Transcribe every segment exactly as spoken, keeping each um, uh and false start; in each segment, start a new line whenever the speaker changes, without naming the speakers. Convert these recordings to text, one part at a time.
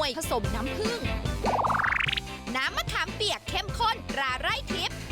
วยผสมน้ำผึ้งน้ำมะขามเปียกเข้มข้นตราไร่ทิพย์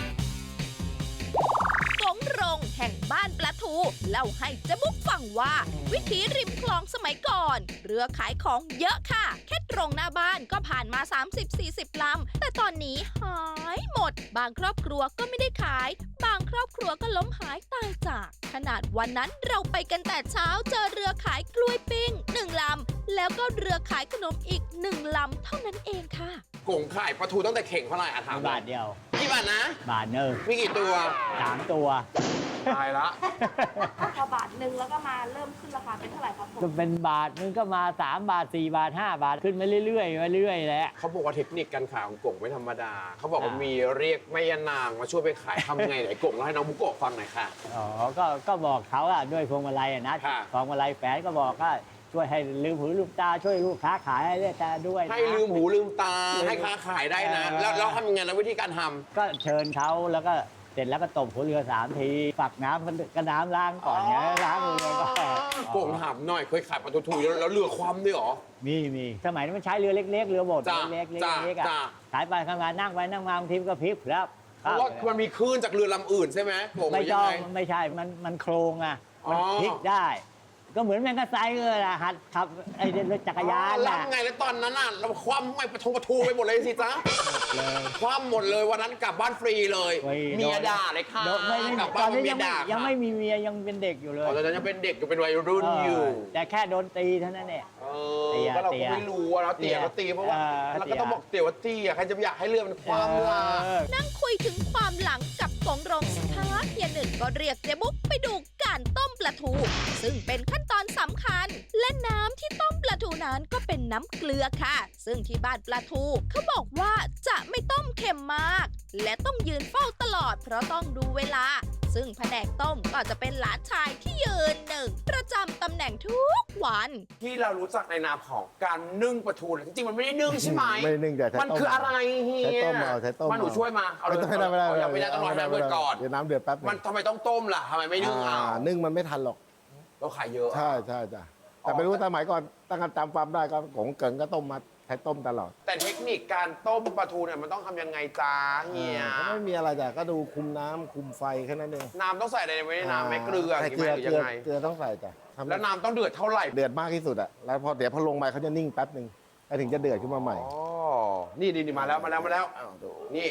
กงรงแห่งบ้านปลาทูเล่าให้เจ๊บุ๊กฟังว่าวิถีริมคลองสมัยก่อนเรือขายของเยอะค่ะแค่ตรงหน้าบ้านก็ผ่านมา สามสิบถึงสี่สิบ ลำแต่ตอนนี้หายหมดบางครอบครัวก็ไม่ได้ขายบางครอบครัวก็ล้มหายตายจากขนาดวันนั้นเราไปกันแต่เช้าเจอเรือขายกล้วยปิ้งหนึ่งลำแล้วก็เรือขายขนมอีกหนึ่งลำเท่านั้นเองค่ะ
กงขายปลาทูตั้งแต่เข่งเท่าไหร่อะถาม
บาทเดียว
กี่บาทนะ
บาทหนึ่ง
มีกี่ตัว
สามตัว
ตายละ
พอบาทหนึ่งแล้วก็มาเริ่มขึ้นราคาเป็นเท่าไหร่ครับผม
ก็เป็นบาทนึงก็มาสามบาทสี่บาทห้าบาทขึ้นมาเรื่อยๆมาเรื่อยๆแหละ
เขาบอกว่าเทคนิคการขายของกงไม่ธรรมดา เขาบอกว่า
อ่ามี
มีเรียกแม่ยานางมาช่วยไปขายทำไงไหนกงเล่าให้น้องบุโกะฟังหน่อยค่ะ
อ๋อก็ก็บอกเขาอะด้วยพวงมาลัยอะนะ
ค่ะ
พวงมาลัยแฝนก็บอกก็ช่วยให้ลืมหูลืมตาช่วยลูกค้าขายให้ได้แต่ด้วยนะ
ให้ลืมหูลืมตาให้ค้าขายได้นะ
เออ
แล้วแล้วทำยังไงแล้ววิธีการทำ
ก็เชิญเขาแล้วก็เสร็จแล้วก็ตบหัวเรือสามทีฝักน้ำก็น้ำล้างก่อนเนี่ยล้างมือเลยก็
กงถามหน่อยเคยขายปลาทูแล้วแล้วเรือคว่ำด้วยเหรอ
มีมีสมัยนั้นมันใช้เรือเล็ก ๆ เรือโบด
จ้ะ
เล็กๆเล็ก
จ้ะ
ๆเล็กๆอะ
จ้ะ
ขายไปทำงานนั่งไปนั่งมาบางทีมันก็พลิกครับ
เพราะว่ามันมีคลื่นจากเรือลำอื่นใช่ไหมกงห
ไม่
รือยั
ต้อง
ไง
งไม่ใช่มันมันโครงอะมัน
อ๋อ
พลิกได้ ก็เหมือนแมงกะไซเลยล่ะหัดขับไอ้รถจักรยาน
แล้ว
น่ะ
ไงแล้วตอนนั้นน่ะเราคว่ำไม่ปลาทูปลาทูไปหมดเลยสิจ๊ะ
เลย
คว่ำหมดเลยวันนั้นกลับบ้านฟรีเลย
ฟรี
เมียด่าเลยค่ะ
โดนไม่ไม่
กลับ
ต
บ้า
อน นนี้
เมี
ยั
ย
งไม่
ด่า
ยังไม่มีเมียยังเป็นเด็กอยู่เลย
อ๋อตอนนั้นยังเป็นเด็กอยู่เป็นวัยรุ่นอยู่
เออแต่แค่โดนตีเท่านั้นเอง
เอ
เตี้
อย ก็เรา
เตี้
ก็
ย
ไม่รู้อะเนาะเตี๋ยก็ตีเพราะว่า
เออ
เราก็ต้องบอกเตี๋ยว่าตีอะใครจะอยากให้เรือมันคว่ำล่ะ
เออ
นั่งคุยถึงความหลังกับกงรงสักพักเฮียหนึ่งก็เรียกเจ๊บุ๊กไปดูการต้มปลาทู ซึ่งเป็นขั้นตอนสำคัญ และน้ำที่ต้มปลาทูนั้นก็เป็นน้ำเกลือค่ะ ซึ่งที่บ้านปลาทูเขาบอกว่าจะไม่ต้มเค็มมาก และต้องยืนเฝ้าตลอดเพราะต้องดูเวลา ซึ่งแผนกต้มก็จะเป็นหลานชายที่ยืนหนึ่งประจำตำแหน่งทุกวัน
ที่เรารู้จักในนามของการนึ่งปลาทูเนี่ยจริงๆมันไม่ได้นึ่งใช่ไหม
ไม่นึ่งแต่ใช้
มัน
ต้ม
คืออะไรเฮีย
ใช้ต้มเอาใช้ต้ม
มาหนู
เอา
ช่วยมาเอาเลย
ไม่ได้ไม่ได้
เอายังไม่ได้ต้องรอให้น้ำเดือดก่อน
เดี๋ยวน้ำเดือดแป๊บหนึ
มัน
ง
ทำไมต้องต้มล่ะทำไมไม่นึ่งเอา
อ่านึ่งมันไม่ทันหรอก
เราขายเยอะ
ใช่ใช่จ้ะแต่ไม่รู้สมัยก่อนตั้งแต่จำความได้ก็ของเกิงก็ต้มมาใช้ต้มตลอด
แต่เทคนิคการต้มปลาทูเนี่ยมันต้องทำยังไงจ้าเฮีย
ก็ไม่มีอะไรจ้ะก็ดูคุมน้ำคุมไฟแค่นั้นเอง
น้ำต้องใส่อะไรไว้ในน้ำไหมเกลือ
ใส่
ห
เกลือ
รือ
เก
ยั
ลื
ง
อ
ไง
เกลือต้องใส่จ้ะทำ
แล้วน้ำต้องเดือดเท่าไหร่
เดือดมากที่สุดอะแล้วพอเดี๋ยวพอลงไปเขาจะนิ่งแป๊บหนึ่งแล้วถึงจะเดือดขึ้นมาใหม่
อ๋อนี่นี่นี่มาแล้วมาแล้วมาแล้ว
อ้าวดู
นี่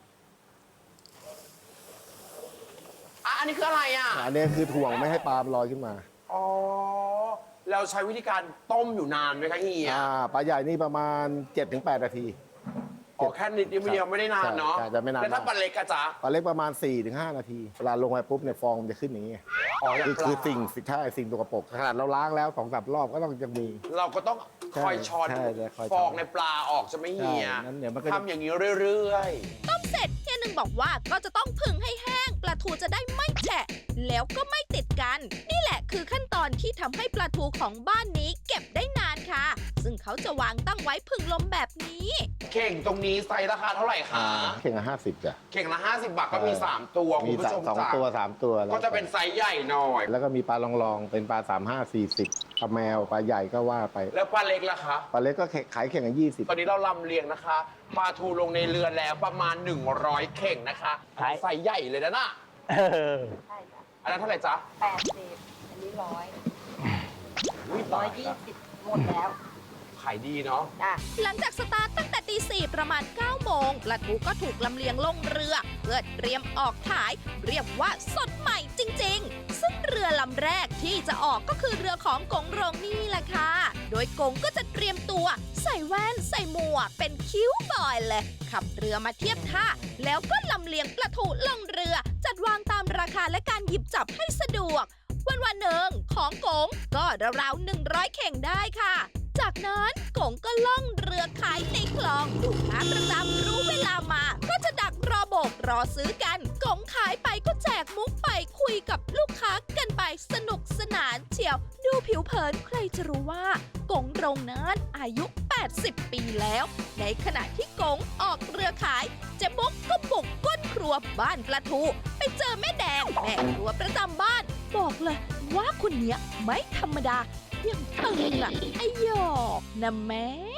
อ่ะอันนี้คืออะไรอ่ะ
อันนี้คือถ่วงไม่ให้ปลามันลอยขึ้นมา
อ๋อเราใช้วิธีการต้มอยู่นานไหมคะเฮีย
อ่าปลาใหญ่นี่ประมาณ เจ็ดถึงแปด นาที
อ๋อแค่นิดเดียวไม่ได้นานเนาะ
ใช่ใช่ไม่นาน
แล้วถ้าปลาเล็กอะจ๊ะ
ปลาเล็กประมาณ สี่ถึงห้า นาทีเวลาลงไปปุ๊บเนี่ยฟองมันจะขึ้นอย่างนี้
อ๋ออย่าง
คือ
ปลา
คือสิ่งสิ่งใช่สิ่งตัวกระปรกขนาดเราล้างแล้วสองสามรอบก็ต้องยังมี
เราก็ต้อง
ใช่
คอยช้อน
ใช่ใช่คอยช้อน
ฟองในปลาออกจะไม่เฮีย
ใช่นั้นเดี๋ยวมันก็จะ
ทำอย่างนี้เรื่อย
ต้มเสร็จเฮียหนึ่งบอกว่าก็จะต้องผึ่งให้แห้งปลาทูจะได้ไม่แฉะแล้วก็ไม่ติดกัน นี่แหละคือขั้นตอนที่ทำให้ปลาทูของบ้านนี้เก็บได้นานค่ะ ซึ่งเขาจะวางตั้งไว้ผึ่งลมแบบนี้
ๆ เข่งตรงนี้ไซส์ราคาเท่าไหร่คะ
เข่งละห้าสิบจ้ะ
เข่งละห้าสิบบาทก็มีสามตัวคุ
มี
ณผู้ชม
สอง
จ๋า
ตัวสามตัวแล้ว
ก็จะเป็นไซส์ใหญ่หน่อย
แล้วก็มีปลาลองๆเป็นปลาสามห้าสี่สิบปลาแมวปลาใหญ่ก็ว่าไป
แล้วปลาเล็กล่ะคะ
ปลาเล็กก็ขายเข่งละยี่สิบ
ตอนนี้เราลำเลียงนะคะปลาทูลงในเรือแล้วประมาณหนึ่งร้อยเข่งนะคะ
ขาย
ไซส์ใหญ่เลยนะน่ะ
เออ
ใช่จ้ะ
อันนั้นเท่าไหร่จ๊ะ
แปดสิบอันนี้ร้อยร้อยยี่สิบหมดแล้ว
ขายดีเนาะ
จ้ะ
หลังจากสตาร์ทตั้งแต่ตีสี่ประมาณเก้าโมงปลาทูก็ถูกลำเลียงลงเรือ เพื่อเตรียมออกขาย เรียกว่าสดใหม่จริงๆ ซึ่งเรือลำแรกที่จะออกก็คือเรือของกงรงนี่แหละค่ะ โดยกงก็จะเตรียมตัว ใส่แว่นใส่หมวกเป็นคิ้วบอยเลย ขับเรือมาเทียบท่า แล้วก็ลำเลียงปลาทูลงเรือ จัดวางตามราคาและการหยิบจับให้สะดวก วันวันๆหนึ่งของกงก็ราวๆหนึ่งร้อยเข่งได้ค่ะ จากนั้นกงก็ล่องเรือขายในคลองลูกค้าประจำรู้เวลามา ก็จะดักรอโบกรอซื้อกันกงขายไปก็แจกมุกไปคุยกับลูกค้ากันไปสนุกสนานเชียว ดูผิวเผินใครจะรู้ว่ากงรงนั้นอายุ แปดสิบ ปีแล้ว ในขณะที่กงออกเรือขายเจ๊บุ๊กก็บุกก้นครัวบ้านปลาทู ไปเจอแม่แดงแม่ครัวประจำบ้าน บอกเลยว่าคนเนี้ยไม่ธรรมดา ยังตึงอ่ะไอหยอกนะแม่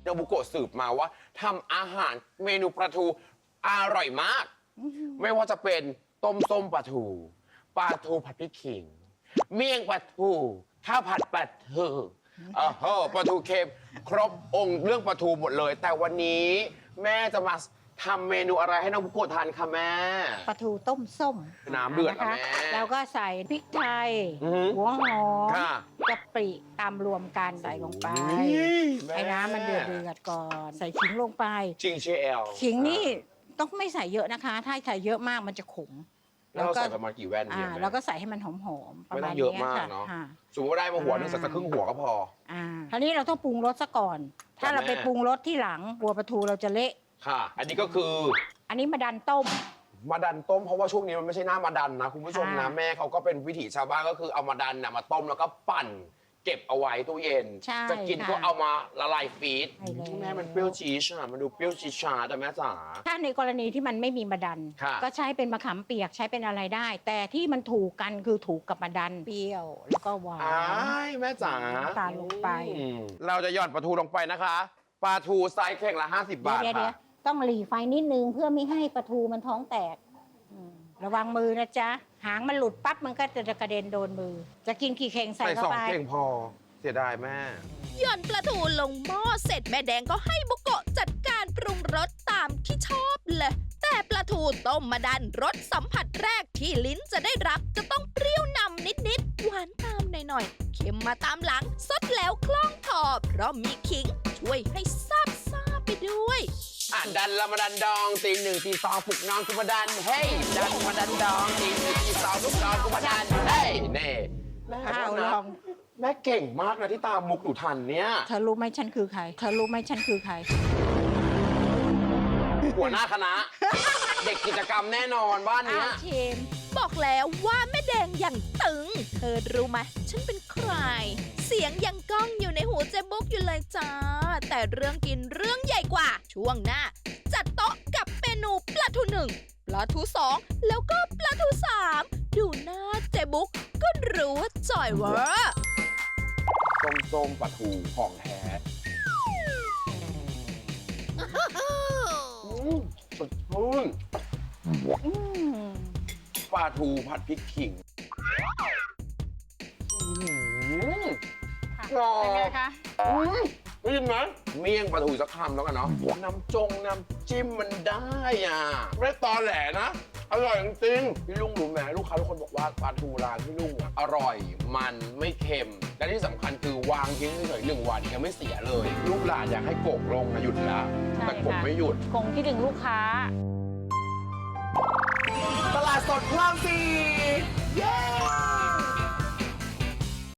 นาบุโกะสืบมาว่าทำอาหารเมนูปลาทูอร่อยมาก ไม่ว่าจะเป็นต้มส้มปลาทูปลาทูผัดพริกขิง เมี่ยงปลาทูข้าวผัดปลาทูเออเฮ้อปลาทูเค็มครบองค์เรื่องปลาทูหมดเลย แต่วันนี้แม่จะมาทำเมนูอะไรให้น้องบุโกะทานคะแม่
ปลาทูต้มส้ม
น้ำเดือด
นะ
นะคะ แม่
แล้วก็ใส่พริกไทย
อือหือ
หัวหอม
ค่ะ
กะปิตามรวมกันใส่ลงไป
อุ๊ยแม่
ให้น้ำมันเดือดเดือดๆก่อน ใส่ขิงลงไป
จริงเชล
ขิงนี่ต้องไม่ใส่เยอะนะคะ ถ้าใส่เยอะมากมันจะขม
แล้วเราใส่ประมาณกี่แว่น
อ่า
เนี่ยแม่
แล้วก็ใส่ให้มันหอมๆประ
ไม่ต้
มา
อ
ณ
งเยอะ
นี้
มาก
ค่ะ
เนาะ
อ่า
สมมติว่าได้มาหัวหนึง
อ่า
ใส่สักครึ่งหัวก็พอ
อ่าทีนี้เราต้องปรุงรสซะก่อน ถ้าเรา
แม่
ไปปรุงรสที่หลังกลัวปลาทูเราจะเละ
ค่ะ อันนี้ก็คือ
อันนี้มาดันต้ม
มาดันต้มเพราะว่าช่วงนี้มันไม่ใช่หน้ามาดันนะคุณผู้ชมนะ
ค่ะ
แม่เขาก็เป็นวิถีชาวบ้านก็คือเอามาดันน่ะมาต้มแล้วก็ปั่น เก็บเอาไว้ตู้เย็น
ใช่
จะกินก็
ค่ะ
เอามาละลายฟรีซ
ใช่แล้ว
แม่มันเปรี้ยวจี๊ดอ่ะมันดูเปรี้ยวจี๊ดชาแต่แม่จ๋า
ถ้าในกรณีที่มันไม่มีมาดัน
ค่ะ
ก็ใช้เป็นมะขามเปียกใช้เป็นอะไรได้ แต่ที่มันถูกกันคือถูกกับมาดันเปรี้ยวแล้วก็หวาน
อ้ายแม่จ๋า
น้ำตาลลงไป
อืมเราจะหย่อนปลาทูลงไปนะคะปลาทูไซส์เข่งละห้าสิบบาท
เดี๋ยวเดี๋ย
ค่ะ
วต้องหลีไฟนิดนึงเพื่อไม่ให้ปลาทูมันท้องแตกอืมระวังมือนะจ๊ะ หางมันหลุดปั๊บมันก็จะกระเด็นโดนมือ จะกินกี่เข่งใส่
ใส่
เข้า
สอง
ไป
เข่งพอเสียดายแม่
หย่อนปลาทูลงหม้อเสร็จแม่แดงก็ให้บุโกะจัดการปรุงรสตามที่ชอบเลย แต่ปลาทูต้มมาดันรสสัมผัสแรกที่ลิ้นจะได้รับจะต้องเปรี้ยวนำนิดๆ หวานตามหน่อยๆ เค็มมาตามหลังสดแล้วคล่องคอเพราะมีขิงช่วยให้ซาบซ่าไปด้วย
อ่ะดันละมาดันดองตีหนึ่งตีสองปลุกน้องกุมาดันเฮ้ยดันมาดันดองตีหนึ่งตีสองปลุกน้องกุมาดันเฮ้ยเน่แม่
อ้าว
นะ
ลอง
แม่เก่งมากนะที่ตามมุกหนูทันเนี่ย
เธอรู้ไหมฉันคือใคร เธอรู้ไหมฉันคือใคร
หัวหน้าคณะ เด็กกิจกรรมแน่นอนบ้าน
อ้า
เนี้
วย เชม
บอกแล้วว่าแม่แดงอย่างตึง เธอรู้ไหมฉันเป็นใคร เสียงยังก้องอยู่ในหูเจ๊บุ๊กอยู่เลยจ้า แต่เรื่องกินเรื่องใหญ่กว่า ช่วงหน้า จัดโต๊ะกับเมนูปลาทูหนึ่งปลาทูสองแล้วก็ปลาทูสามดูหน้าเจ๊บุ๊กก็รู้ว่าจ่อยเวอร์
ส้มส้มปลาทูของแท้อืมสดชื่น
อืม
ปลาทูผัดพริกขิงอืม กรอบ
เป็นไงคะ
อืมได้ยินไหมเมี่ยงปลาทูสักคำแล้วกันเนาะน้ำจงน้ำจิ้มมันได้อ่ะไม่ตอแหลนะ อร่อยจริงๆพี่ลุงรู้ไหมลูกค้าทุกคนบอกว่าปลาทูร้านพี่ลุงอ่ะอร่อยมันไม่เค็ม และที่สำคัญคือวางทิ้งเฉยๆหนึ่งวันยังไม่เสียเลย ลูกหลานอยากให้โกกลงนะหยุดละ
ใช่
แต่โกก
ค่ะ
ไม่หยุด
คงคิดถึงลูกค้า
ตลาดสดพระรามสี่เย้